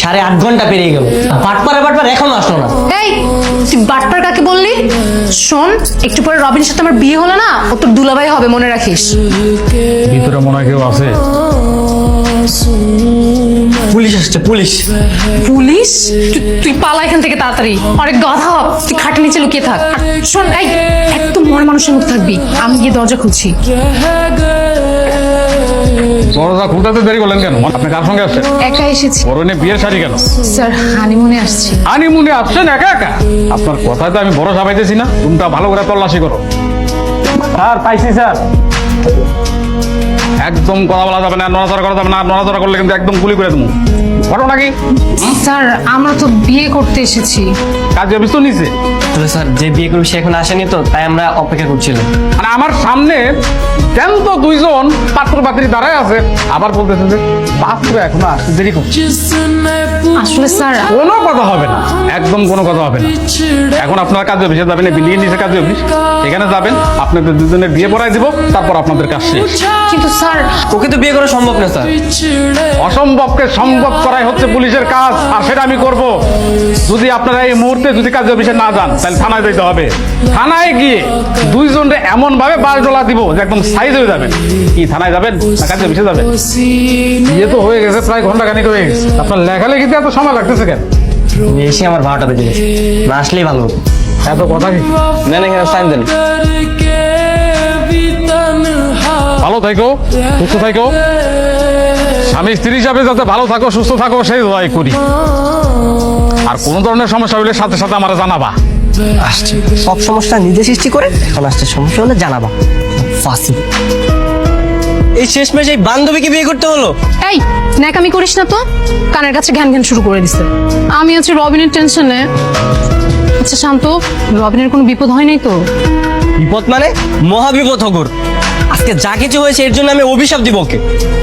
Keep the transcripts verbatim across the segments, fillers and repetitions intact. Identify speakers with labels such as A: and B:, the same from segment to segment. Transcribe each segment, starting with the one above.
A: সাড়ে আট ঘন্টা পেরিয়ে গেল, বাটপারে বাটপার এখনো আসলো না।
B: এই তুই বাটপার কাকে বললি? শোন, একটু পরে রবিনের সাথে আমার বিয়ে হলো না, ও তোর দুলাভাই হবে, মনে রাখিস।
C: ভিতরে মনে হয় কেউ আছে।
A: পুলিশ আসছে, পুলিশ।
B: পুলিশ? তুই- তুই পালা এখান থেকে তাড়াতাড়ি, অনেক গাধা হ, তুই খাটের নিচে লুকিয়ে থাক। আর শোন, এই একদম মরে মানুষের মতো থাকবি, আমি গিয়ে দরজা খুলছি।
C: দরজা খুলতে দেরি করলেন কেন? আপনি কার সঙ্গে আসছেন?
B: একা এসেছি
C: পরনে বিয়ের শাড়ি কেন?
B: স্যার, হানিমুনে আসছি।
C: হানিমুনে আসছেন একা একা? আপনার কথায় তো আমি ভরসা পাইতেছি না। রুমটা ভালো করে তল্লাশি করো। স্যার, পাইছি স্যার। একদম কথা বলা যাবে না, নড়াচড়া করা যাবে না। নড়াচড়া করলে কিন্তু একদম গুলি করে দেবো। ঘটনা কি?
B: স্যার, আমরা তো বিয়ে করতে এসেছি।
C: কাজে অফিস তো নিচে।
A: তাহলে স্যার, যে বিয়ে করবে সে এখন আসেনি তো, তাই আমরা অপেক্ষা করছিলাম।
C: আর আমার সামনে কেন তো দুইজন পাত্র পাত্রী দাঁড়ায় আছে, আবার বলতেছে যে পাত্র এখনো আসতে দেরি করছে।
B: আসলে স্যার,
C: কোনো কথা হবে না, একদম কোনো কথা হবে না। এখন আপনার কাজে অফিসে যাবেন, বিল্ডিং নিচে কাজে অফিস, এখানে যাবেন, আপনাদের দুজনের বিয়ে পড়াই দিব, তারপর আপনাদের কাজ শেষ।
B: কিন্তু স্যার,
A: ওকে তো বিয়ে করা সম্ভব না স্যার।
C: অসম্ভবকে সম্ভব করাই হচ্ছে পুলিশের কাজ, আর সেটা আমি করব। যদি আপনারা এই মুহূর্তে যদি কাজে অফিসে না যান, তাহলে থানায় যেতে হবে। থানায় গিয়ে দুইজনরে এমন ভাবে বাস ডলা দিব যে একদম সাইজ হয়ে যাবেন। কি থানায় যাবেন না কাজে অফিসে যাবেন? বিয়ে তো হয়ে গেছে, প্রায় ঘন্টা খানিক হয়ে গেছে। আপনার লেখালেখিতে এত সময় লাগতেছে কেন?
A: এসে আমার বারোটা বেজে গেছে, না আসলেই ভালো হতো।
C: এত কথা কি?
A: না না, এখানে সাইন দেন।
C: ভালো থাকো, সুস্থ থাকো। আমি স্ত্রী হিসাবে যাতে ভালো থাকো, সুস্থ থাকো, সেই দোয়াই করি। আর কোন ধরনের সমস্যা হলে সাথে সাথে আমার জানাবা।
A: আসছে সব সমস্যা নিজে সৃষ্টি করে, এখন আসছে সমস্যা হলে জানাবা। ফাঁসি। এই শেষমেশ এই বান্ধবীকে বিয়ে করতে হলো।
B: এই ন্যাকামি করিস না তো, কানের কাছে ঘ্যান ঘ্যান শুরু করে দিছে। আমি আছি রবিনের টেনশনে। আচ্ছা শান্ত, রবিনের কোনো বিপদ হয় নাই তো?
A: বিপদ মানে মহা বিপদ হগর। আজকে যা কিছু হয়েছে এর জন্য আমি অভিশাপ দিব ওকে।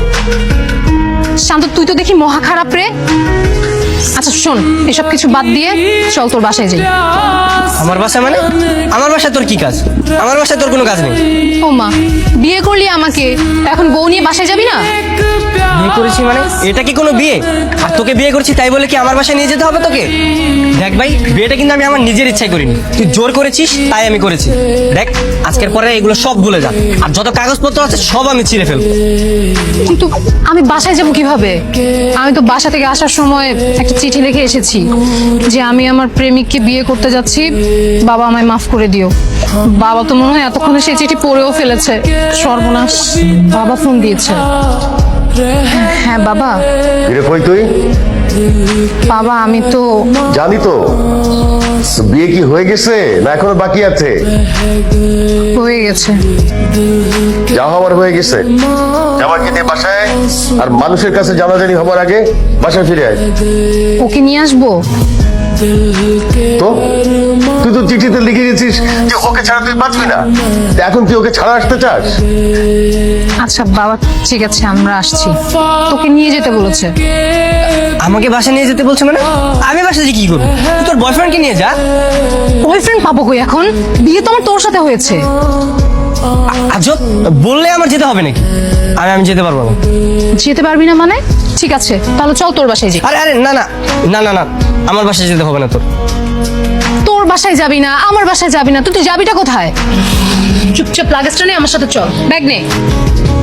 B: শান্ত, তুই তো দেখি মহা খারাপ রে। আচ্ছা শোন, এসব কিছু বাদ দিয়ে চল তোর বাসায় যাই।
A: আমার বাসায় মানে? আমার বাসায় তোর কি কাজ? আমার বাসায় তোর কোনো কাজ নেই।
B: ও মা, বিয়ে করলি আমাকে, এখন বউ নিয়ে বাসায় যাবি না?
A: বিয়ে করেছি মানে এটা কি কোনো বিয়ে? আর তোকে বিয়ে করছি তাই বলে কি আমার বাসায় নিয়ে যেতে হবে তোকে? দেখ ভাই, বিয়েটা কিন্তু আমি আমার নিজের ইচ্ছায় করিনি, তুই জোর করেছিস তাই আমি করেছি। দেখ, আজকের পরে এগুলো সব ভুলে যা, আর যত কাগজপত্র আছে সব আমি ছিঁড়ে ফেলবো।
B: কিন্তু আমি বাসায় যাব কিভাবে? আমি তো বাসা থেকে আসার সময় একটা চিঠি লিখে এসেছি যে আমি আমার প্রেমিককে বিয়ে করতে যাচ্ছি, বাবা আমায় মাফ করে দিও। বাবা তো মনে হয় এতক্ষণে সেই চিঠি পড়েও ফেলেছে। সর্বনাশ, বাবা ফোন দিয়েছে। হ্যাঁ বাবা।
D: ফিরে কই তুই?
B: বাবা আমি তো
D: জানি তো। তো বিয়ে কি হয়ে গেছে না এখনো বাকি আছে?
B: হয়ে গেছে।
D: যা হওয়ার হয়ে গেছে। জামাইকে নিয়ে বাসায়, আর মানুষের কাছে জানাজানি হবার আগে বাসায় ফিরে আয়।
B: ওকে নিয়ে আসবো?
D: তো তুই তো চিঠিতে লিখে গেছিস যে ওকে ছাড়া তুই বাঁচবি না, তা এখন তুই ওকে ছাড়া আসতে চাস?
B: আচ্ছা বাবা, ঠিক আছে আমরা আসছি। তোকে নিয়ে যেতে বলেছে।
A: আমাকে বাসায় নিয়ে যেতে বলছে মানে? আমি বাসায় যে কি করবো? তুই তোর বয়ফ্রেন্ডকে নিয়ে যা।
B: বয়ফ্রেন্ড পাবো কই এখন? বিয়ে তো আমার তোর সাথে হয়েছে।
A: আজব, বললে আমার যেতে হবে নাকি? আমি আমি যেতে পারবো না।
B: যেতে পারবি না মানে? ঠিক আছে তাহলে চল তোর বাসায় যাই।
A: আরে আরে না না না না না, আমার বাসায় যেতে হবে না তোর।
B: তোর বাসায় যাবি না, আমার বাসায় যাবি না, তুই তুই যাবিটা কোথায়? চুপচাপ লাগেজটা নিয়ে আমার সাথে চল, ব্যাগ নে।